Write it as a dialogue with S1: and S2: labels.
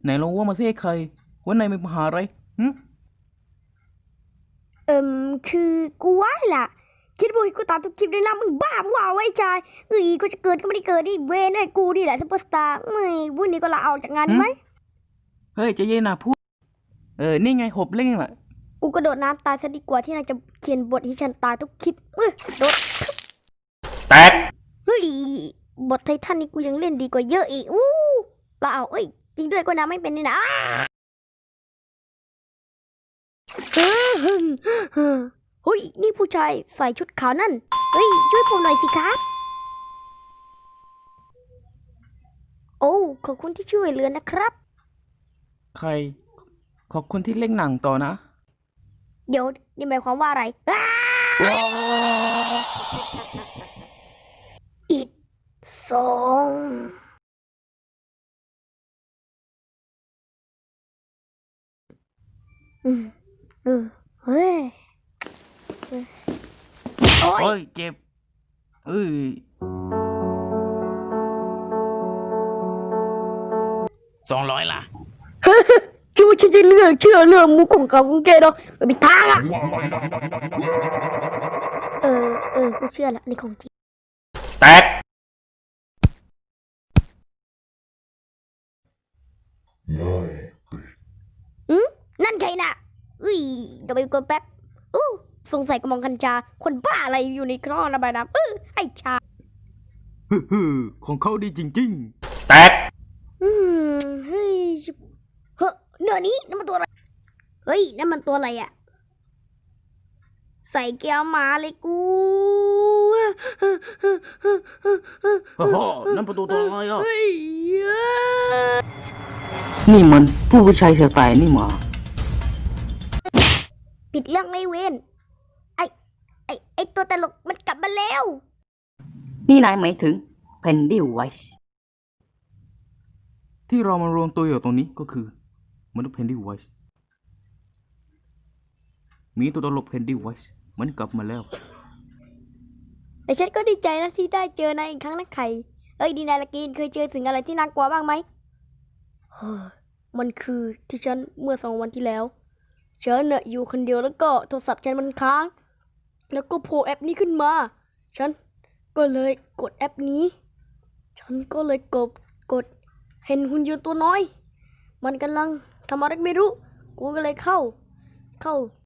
S1: ไหนลองว่ามาสิไอ้ใครว่านายมีปัญหาอะไรหึ
S2: คือกูว่าล่ะคิดว่ากูตามทุกคลิปเลยนะมึงบ้าเปล่าไอ้ชายกูจะเกิดก็ไม่ได้เกิดดิเวนไอ้กูนี่แหละซุปเปอร์สตาร์ไม่วันนี้ก็ลาออกจากงานไหม
S1: เฮ้ยใจเย็นนะพูดนี่ไงหบเล่งล่ะ
S2: กูกระโดดน้ำตายซะดีกว่าที่นายจะเขียนบทให้ฉันตายทุกคลิปโดด
S1: แตก
S2: เฮ้ยบทไททันนี่กูยังเล่นดีกว่าเยอะอีกลาออกจริงด้วยก็น้ำไม่เป็นนี่นะเฮ้ยนี่ผู้ชายใส่ชุดขาวนั่นช่วยผมหน่อยสิครับโอ้ขอบคุณที่ช่วยเหลือนะครับ
S1: ใครขอบคุณที่เล่งหนังต่อนะ
S2: เดี๋ยวนี่หมายความว่าอะไรอิดสองเฮ้ยโอ้ย
S1: เจ็บ200ล่ะ
S2: คิดว่าฉันจะเชื่อเรื่องมุกของเขาของแกเนาะไม่มีทางอ่ะกูเชื่อละนี่ของจริง
S1: แตก
S2: นั่นใครน่ะเดี๋ยวไปกดแป๊บสงสัยกระมองกัญชาคนบ้าอะไรอยู่ในคลองระบายน้ำไอ้ชา
S1: ของเขาดีจริงๆแตก
S2: เฮ้ยเนื้อนี้นั่นมันตัวอะไรนั่นมันตัวอะไรอ่ะใส่แก้วหมาเลยกู
S1: นั่นประตูตัวอะไรอ่ะ
S2: เฮ้ย
S1: นี่มันผู้ชายสไตล์นี่หมา
S2: ปิดเรื่องไม่เว้นไอตัวตลกมันกลับมาแล้ว
S1: นี่นายหมายถึงเพนดิไวส์ที่เรามารวมตัวอยู่ตรงนี้ก็คือมนุษย์เพนดิไวส์มีตัวตลกเพนดิไวส์มันกลับมาแล้ว
S2: แต่ฉันก็ดีใจนะที่ได้เจอนายอีกครั้งนะไข่ดีนายละกินเคยเจอสิ่งอะไรที่น่ากลัวบ้างไหมมันคือที่ฉันเมื่อ2 วันที่แล้วฉันเนี่ยอยู่คนเดียวแล้วก็โทรศัพท์ฉันมันค้างแล้วก็โผล่แอปนี้ขึ้นมาฉันก็เลยกดแอปนี้ฉันก็เลยกดเห็นหุ่นยนต์ตัวน้อยมันกำลังทำอะไรไม่รู้กูก็เลยเข้า